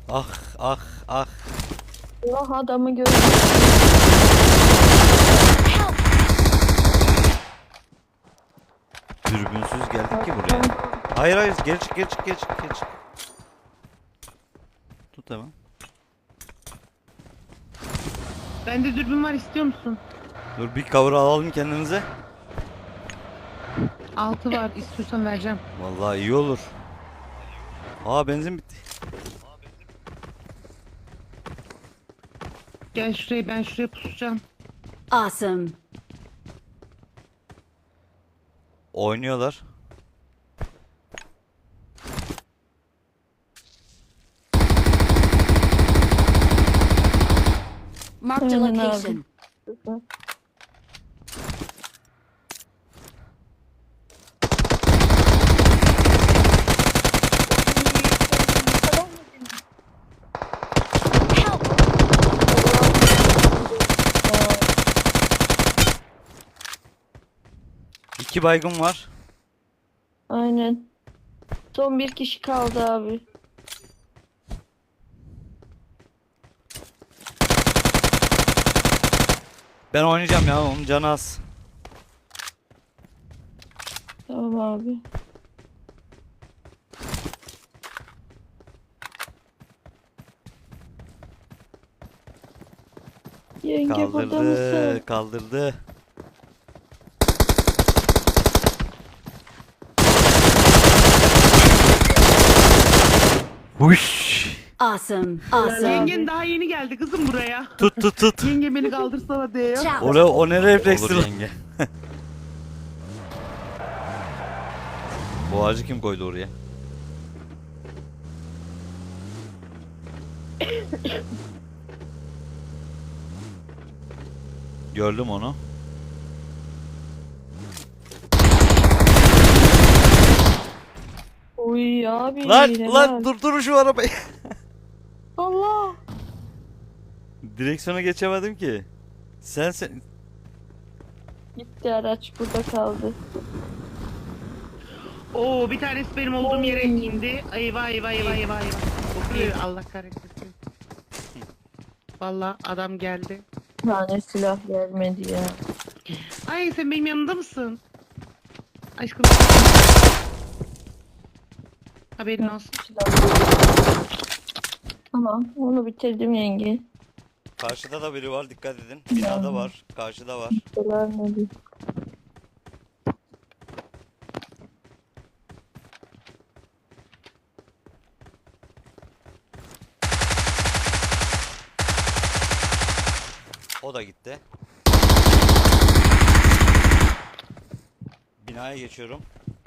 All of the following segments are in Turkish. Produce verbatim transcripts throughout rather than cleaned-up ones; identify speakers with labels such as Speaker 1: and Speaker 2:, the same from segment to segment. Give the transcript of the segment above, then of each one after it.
Speaker 1: Ah ah ah.
Speaker 2: Allah adamı gördüm.
Speaker 1: Dürbünsüz geldik ki buraya. Hayır hayır geri çık geri çık geri çık geri çık. Tut hemen.
Speaker 3: Bende dürbün var, istiyor musun?
Speaker 1: Dur bir cover alalım kendimize.
Speaker 3: Altı var, istiyorsan vereceğim.
Speaker 1: Vallahi iyi olur. Aa benzin bitti.
Speaker 3: Gel şuraya, ben şuraya pusacağım.
Speaker 4: Awesome.
Speaker 1: Oynuyorlar.
Speaker 4: Marked a
Speaker 2: Aynen abi.
Speaker 4: location. Help!
Speaker 1: İki baygın var.
Speaker 2: Aynen. Son bir kişi kaldı abi.
Speaker 1: Ben oynayacağım ya onun canı az.
Speaker 2: Tamam abi. Yenge burada mısın?
Speaker 1: Kaldırdı kaldırdı. Huş.
Speaker 4: Awesome. Awesome.
Speaker 3: Yengen daha yeni geldi kızım buraya.
Speaker 1: Tut tut tut.
Speaker 3: Yenge beni kaldırsana diye ya.
Speaker 4: Shout.
Speaker 1: O ne, o ne reflekstir lan? Bu ağacı kim koydu oraya? Gördüm onu.
Speaker 2: Uy abi.
Speaker 1: Lan
Speaker 2: helal.
Speaker 1: lan dur dur şu arabayı.
Speaker 2: Allah.
Speaker 1: Direksiyona geçemedim ki. Sen sen
Speaker 2: Gitti araç burada kaldı.
Speaker 3: Oo, bir tanesi benim olduğum yere indi. Eyvah eyvah eyvah eyvah eyvah. Okuyor, Allah kahretsin. Vallahi adam geldi.
Speaker 2: Bir tane silah gelmedi ya.
Speaker 3: Ay, sen benim yanımda mısın? Aşkım. Haberin olsun.
Speaker 2: Silah. Tamam onu bitirdim yenge.
Speaker 1: karşıda da biri var dikkat edin. Binada var. Karşıda var.
Speaker 2: Gelmedi.
Speaker 1: O da gitti. Binaya geçiyorum.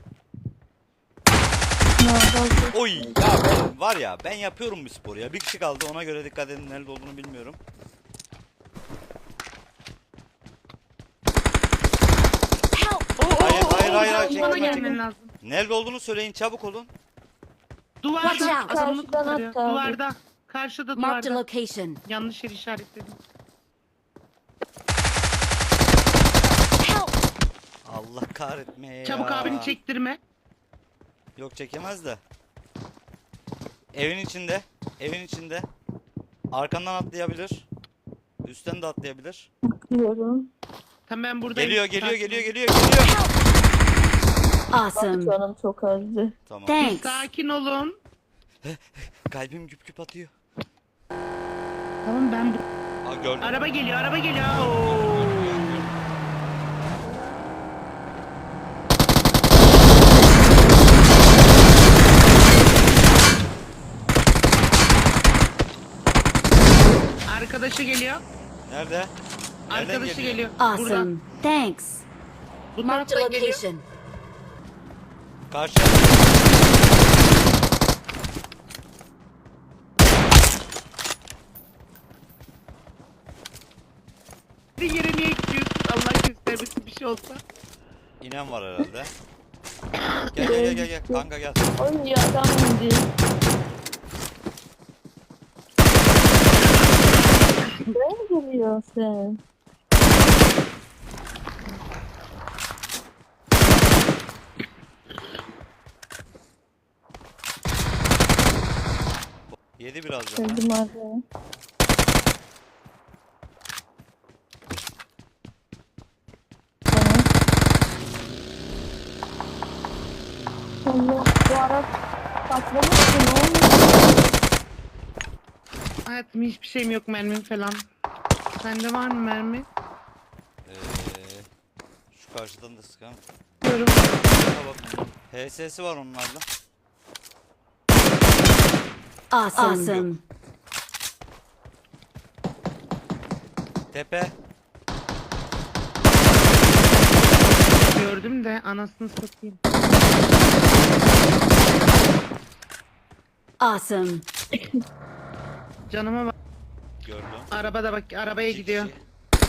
Speaker 1: Oy ya ben var ya ben yapıyorum bu sporu ya. Bir kişi kaldı ona göre dikkat edin nerede olduğunu bilmiyorum.
Speaker 3: Oo, oo,
Speaker 1: Hayır,
Speaker 3: oo,
Speaker 1: hayır,
Speaker 3: oo,
Speaker 1: hayır, hayır,
Speaker 3: bana
Speaker 1: çekilme,
Speaker 3: gelmen
Speaker 1: çekilme.
Speaker 3: lazım.
Speaker 1: Nerede olduğunu söyleyin çabuk olun.
Speaker 3: Duvarda
Speaker 4: Watch out.
Speaker 3: adamını
Speaker 2: Karşıdan
Speaker 3: kurtarıyor.
Speaker 2: attı abi.
Speaker 3: Duvarda. Karşıda
Speaker 4: Marked a
Speaker 3: duvarda.
Speaker 4: location.
Speaker 3: Yanlış yer işaretledim.
Speaker 4: Help!
Speaker 1: Allah kahretmeye ya.
Speaker 3: Çabuk abini çektirme.
Speaker 1: Yok çekemez de. Evin içinde. Evin içinde. Arkandan atlayabilir. Üstten de atlayabilir.
Speaker 2: Diyorum.
Speaker 3: Tamam, ben buradayım.
Speaker 1: Geliyor geliyor
Speaker 3: Sakin
Speaker 1: geliyor
Speaker 3: ol.
Speaker 1: geliyor geliyor.
Speaker 4: Awesome.
Speaker 2: Canım çok azdı.
Speaker 1: Tamam.
Speaker 4: Thanks.
Speaker 3: Sakin olun.
Speaker 1: Kalbim güp güp atıyor.
Speaker 3: Tamam, ben bu...
Speaker 1: Aa gördüm.
Speaker 3: Araba geliyor, araba geliyor. Oo. Arkadaşı geliyor.
Speaker 1: Nerede? Nereden
Speaker 3: Arkadaşı geliyor.
Speaker 4: Awesome.
Speaker 3: Buradan.
Speaker 4: Thanks.
Speaker 3: Bu
Speaker 4: Marked a
Speaker 3: taraftan geliyor.
Speaker 4: location.
Speaker 1: Karşı.
Speaker 3: Bir yere niye gidiyorsun? Allah göstermesin bir şey olsa.
Speaker 1: İnen var herhalde. Gel gel gel gel gel kanka gel.
Speaker 2: Oy ya adam indi. Nereye geliyorsun sen?
Speaker 1: Yedi biraz canı.
Speaker 2: Öldüm abi. Tamam. Allah, bu araç patlamış mı? Ne oluyor?
Speaker 3: Hayatım hiçbir şeyim yok, mermim falan. Sende var mı mermi?
Speaker 1: Ee, şu karşıdan da sıkan.
Speaker 3: Diyorum.
Speaker 1: Bak. H S'si var onlarda.
Speaker 4: Awesome.
Speaker 1: Tepe.
Speaker 3: Gördüm de anasını satayım.
Speaker 4: Awesome.
Speaker 3: Canıma bak.
Speaker 1: Gördüm.
Speaker 3: Arabada bak, arabaya
Speaker 1: İki
Speaker 3: gidiyor.
Speaker 1: kişi.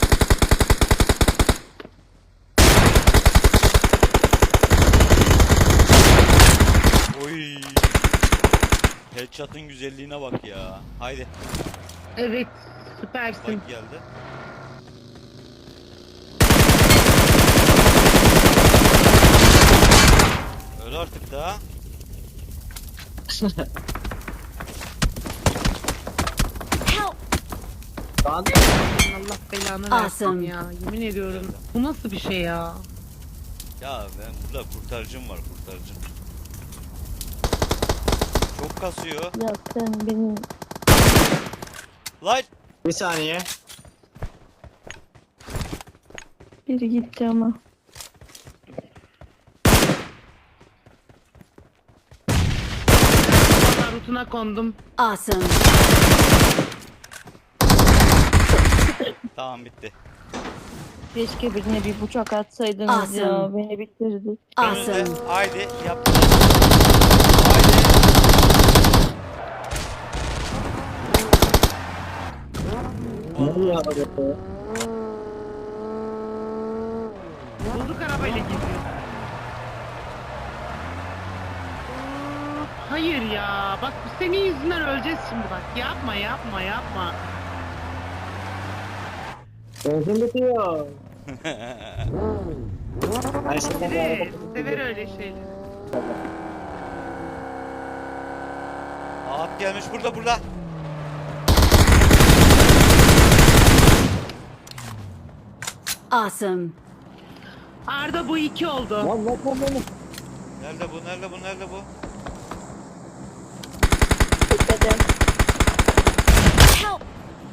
Speaker 1: Oy. Headshot'ın güzelliğine bak ya. Haydi.
Speaker 3: Evet, süpersin.
Speaker 1: Bak geldi. Öl artık daha.
Speaker 4: Help.
Speaker 5: Lan
Speaker 3: Allah belanı versin
Speaker 4: Awesome.
Speaker 3: ya. Yemin ediyorum. Bu nasıl bir şey ya?
Speaker 1: Ya ben burada kurtarıcım var, kurtarıcım. Çok kasıyor.
Speaker 2: Ya sen benim
Speaker 1: Light.
Speaker 5: bir saniye.
Speaker 2: biri gitti ama.
Speaker 3: Valla rutuna kondum.
Speaker 4: Awesome.
Speaker 1: Tamam bitti.
Speaker 2: Keşke birine bir bıçak atsaydınız ya.
Speaker 4: Awesome.
Speaker 2: Beni bitirdi.
Speaker 4: Awesome.
Speaker 1: Önünde. Haydi yap. Haydi.
Speaker 5: Ne oluyor araba?
Speaker 3: Bulduk arabayla gidiyor. Hayır ya. Bak senin yüzünden öleceğiz şimdi bak. Yapma yapma yapma.
Speaker 5: Benzin bitiyor. Ben şimdi bu
Speaker 3: Sever,
Speaker 5: araba-
Speaker 3: sever öyle şeyleri.
Speaker 1: At gelmiş burada burada.
Speaker 4: Awesome.
Speaker 3: Arda bu iki oldu.
Speaker 5: Lan lan lan lan.
Speaker 1: Nerede bu? Nerede bu? Nerede bu?
Speaker 2: Tepede.
Speaker 4: Help.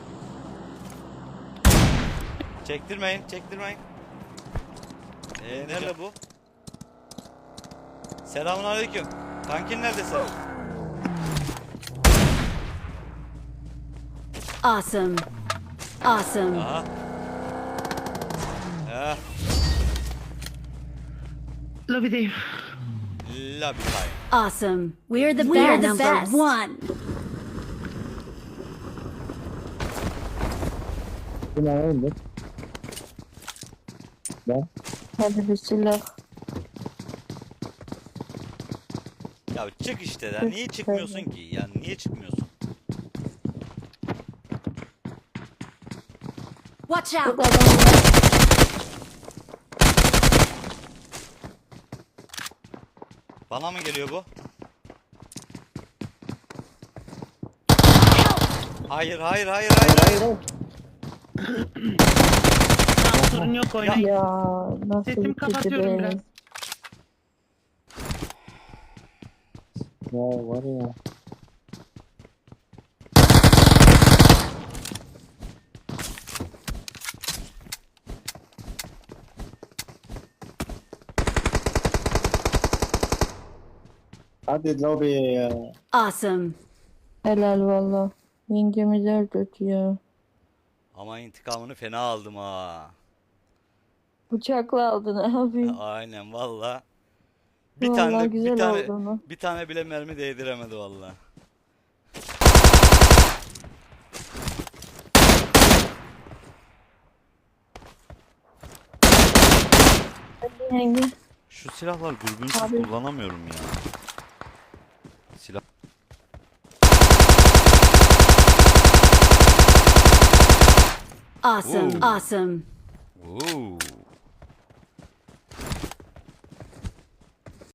Speaker 1: Çektirmeyin, çektirmeyin. Ee, nerede bu? Selamünaleyküm. Kankin nerede sen?
Speaker 4: Awesome. Awesome.
Speaker 1: Aha. Eh,
Speaker 3: Lobideyim.
Speaker 1: lobby time.
Speaker 4: Awesome. We're the We're best. the number one.
Speaker 5: Bu ne oldu? Ben.
Speaker 2: Hadi bir silah.
Speaker 1: Ya çık işte ya. Niye çıkmıyorsun ki? Yani niye çıkmıyorsun?
Speaker 4: Watch
Speaker 2: Çok
Speaker 4: out.
Speaker 2: adam var.
Speaker 1: Bana mı geliyor bu? Hayır, hayır, hayır, hayır, hayır.
Speaker 5: Hayır.
Speaker 3: Tamam, sorun yok oynayın.
Speaker 2: Ya nasıl
Speaker 3: Sesimi
Speaker 2: bitirdi
Speaker 3: kapatıyorum
Speaker 2: be.
Speaker 3: biraz.
Speaker 5: Ya var ya. Hadi lobiye ya.
Speaker 4: Awesome.
Speaker 2: Helal valla. Yengemiz öldürdü ya.
Speaker 1: Ama intikamını fena aldım ha.
Speaker 2: Bıçakla aldın abi.
Speaker 1: Aynen valla. Bir
Speaker 2: Vallahi
Speaker 1: tane de,
Speaker 2: güzel
Speaker 1: bir tane
Speaker 2: oldu ama.
Speaker 1: bir tane bile mermi değdiremedi valla.
Speaker 2: Hadi yenge.
Speaker 1: Şu silahlar dürbünsüz
Speaker 2: Abi.
Speaker 1: kullanamıyorum ya. Silah.
Speaker 4: Awesome.
Speaker 1: Ooh.
Speaker 4: Awesome.
Speaker 1: Oo.